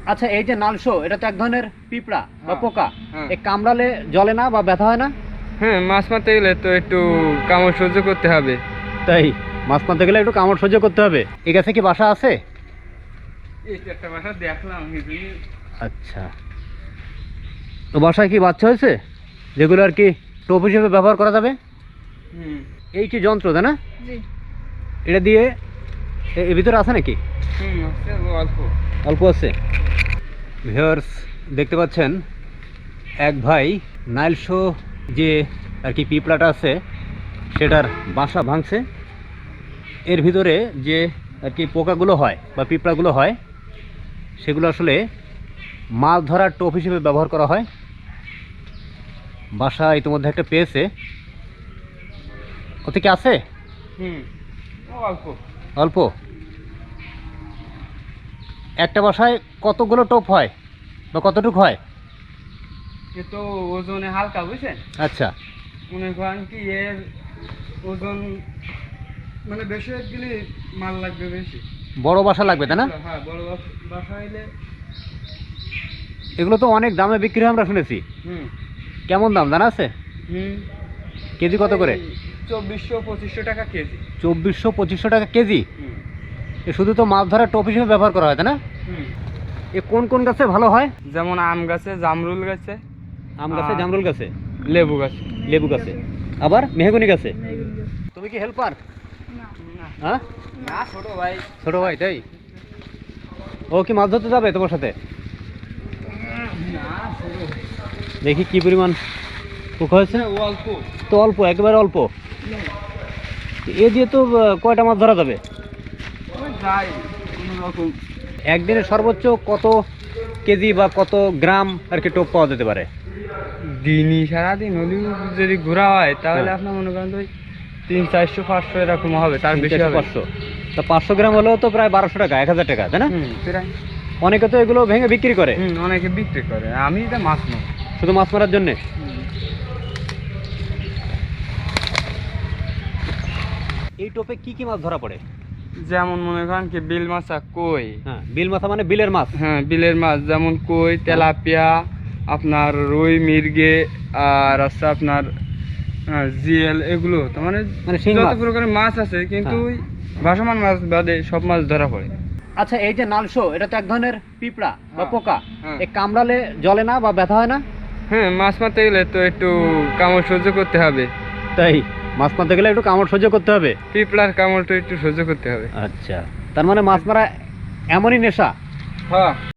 আচ্ছা, এই যে নালশো, এটা তো এক ধরনের পিঁপড়া বা পোকা। হ্যাঁ। এই কামড়ালে জ্বলে না বা ব্যথা হয় না? হ্যাঁ, মাছ মারতে গেলে তো একটু কামড় সহ্য করতে হবে। তাই মাছ মারতে গেলে একটু কামড় সহ্য করতে হবে। এই গাছে কি বাসা আছে? এই যে একটা বাসা দেখলাম। আচ্ছা, তো বাসায় কি বাচ্চা হয়েছে যেগুলো আর কি টোপ হিসেবে ব্যবহার করা যাবে? হুম। এই কি যন্ত্র, তাই না? জি। এটা দিয়ে এর ভিতরে আছে নাকি? হুম, আছে অল্প। অল্প আছে। ভিউয়ার্স, দেখতে পাচ্ছেন এক ভাই নাইলশো যে আর কি পিঁপড়াটা আছে সেটার বাসা ভাঙছে। এর ভিতরে যে আর কি পোকাগুলো হয় বা পিঁপড়াগুলো হয় সেগুলো আসলে মাছ ধরার টোপ হিসেবে ব্যবহার করা হয়। বাসা ইতিমধ্যে একটা পেয়েছে। ওতে কি আছে? হুম, অল্প। অল্প। একটা বাসায় কতগুলো টোপ হয় বা কতটুকু হয়? এ তো ওজনে হালকা, বুঝছেন? আচ্ছা, মনে করেন কি এর ওজন মানে বেশি গেলে মাল লাগবে বেশি। বড় বাসা লাগবে, তাই না? হ্যাঁ, বড় বাসা হইলে। এগুলো তো অনেক দামে বিক্রি হয় আমরা শুনেছি। হুম। কেমন দাম জানা আছে? হুম। কেজি কত করে? 2400-2500 টাকা কেজি। 2400-2500 টাকা কেজি। হুম। এ শুধু তো মাছ ধরার টোপ হিসেবে ব্যবহার করা হয়, তাই না? হুম। এ কোন কোন গাছে ভালো হয়? যেমন আম গাছে, জামরুল গাছে, আম গাছে, জামরুল গাছে, লেবু গাছে। লেবু গাছে, আবার মেহগনি গাছে। তুমি কি হেল্পার? না, হ্যাঁ, না, ছোট ভাই। ছোট ভাই, তাই? ও কি মাছ ধরতে যাবে তোমার সাথে? না, ছোট ভাই। দেখি কি পরিমাণ পোকা হয়েছে। অল্প। তো অল্প, একেবারে অল্প। এ দিয়ে তো কয়টা মাছ ধরা যাবে? ওই যাই কোনো রকম। একদিনে সর্বোচ্চ কত কেজি বা কত গ্রাম আর কি টোপ পাওয়া যেতে পারে? দিনই সারাদিন হলেও যদি ঘোরা হয় তাহলে হ্যাঁ। আপনার মনে করেন তো 300-400-500 এরকম হবে, তার বেশি হবে। 500। তা 500 গ্রাম হলেও তো প্রায় 1200 টাকা, 1000 টাকা, তাই না? হুম, প্রায়। অনেকে তো এগুলো ভেঙে বিক্রি করে হুম, অনেকে বিক্রি করে। আমি এটা মাছ নেব। শুধু মাছ মারার জন্যে। এই টোপে কি কি মাছ ধরা পড়ে? যেমন মনে করেন কি বিল মাছা, কই। হ্যাঁ, বিল মাথা মানে বিলের মাছ। হ্যাঁ, বিলের মাছ যেমন কই, তেলাপিয়া, আপনার রুই, মির্গে, আর আছে আপনার জিএল, এগুলো তো মানে মানে শিং যত মাছ। প্রকারের মাছ আছে, কিন্তু হ্যাঁ। ওই ভাসমান মাছ বাদে সব মাছ ধরা পড়ে। আচ্ছা, এই যে নালশো, এটা তো এক ধরনের পিঁপড়া বা হ্যাঁ। পোকা। হ্যাঁ। এই কামড়ালে জ্বলে না বা ব্যথা হয় না? হ্যাঁ, মাছ মারতে গেলে তো একটু কামড় সহ্য করতে হবে। তাই মাছ মারতে গেলে একটু কামড় সহ্য করতে হবে। পিঁপড়ার কামড়টা একটু সহ্য করতে হবে। আচ্ছা, তার মানে মাছ মারা এমনই নেশা। হ্যাঁ।